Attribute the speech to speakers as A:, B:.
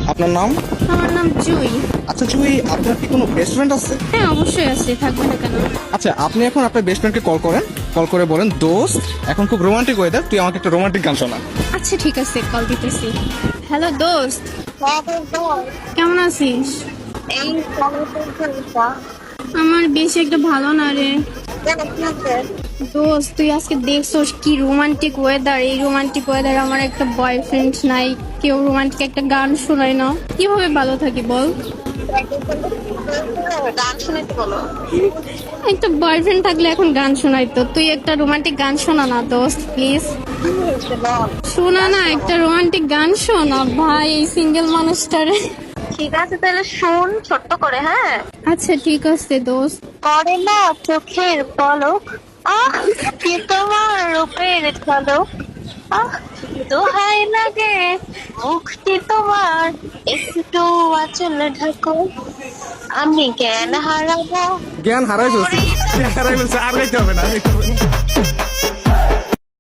A: আপনার নাম?
B: আমার নাম জুই।
A: আচ্ছা জুই, আপনার কি কোনো বেস্ট ফ্রেন্ড আছে?
B: হ্যাঁ, অবশ্যই আছে, থাকবে না কেন?
A: আচ্ছা, আপনি এখন আপনার বেস্ট ফ্রেন্ডকে কল করেন, কল করে বলেন, দোস্ত এখন খুব রোমান্টিক ওয়েদার, তুই আমাকে একটা রোমান্টিক গান শোনা।
B: আচ্ছা ঠিক আছে, কল দিতেছি। হ্যালো দোস্ত, কেমন আছিস?
C: এই কলেজের
B: আমার বেশি একটা ভালো না রে দোস্ত। তুই আজকে দেখছোস কি রোমান্টিক ওয়েদার? এই রোমান্টিক ওয়েদার আমার একটা বয়ফ্রেন্ড নাই, কেউ রোমান্টিক একটা গান শোনায় না, কিভাবে ভালো থাকি বল?
C: গান শুনতে বলো।
B: একটা বয়ফ্রেন্ড থাকলে এখন গান শোনাইতো, তুই একটা রোমান্টিক গান শোনা না দোস্ত প্লিজ। শোনা না, একটা রোমান্টিক গান শোনা ভাই, এই সিঙ্গেল মানুষটারে।
C: ঠিক আছে তাহলে শুন ছোট্ট করে, হ্যাঁ।
B: আচ্ছা ঠিক আছে দোস্ত।
C: করে না চোখের পলক, আহ কি তোমার রূপের ঝলক, আহ দোহাই লাগে মুখটি তোমার, একটু আঁচল ঢাকো, আমি জ্ঞান হারাবো।
A: জ্ঞান হারাই ফেলছি, জ্ঞান হারাই ফেলছি, আর গাইতে হবে না।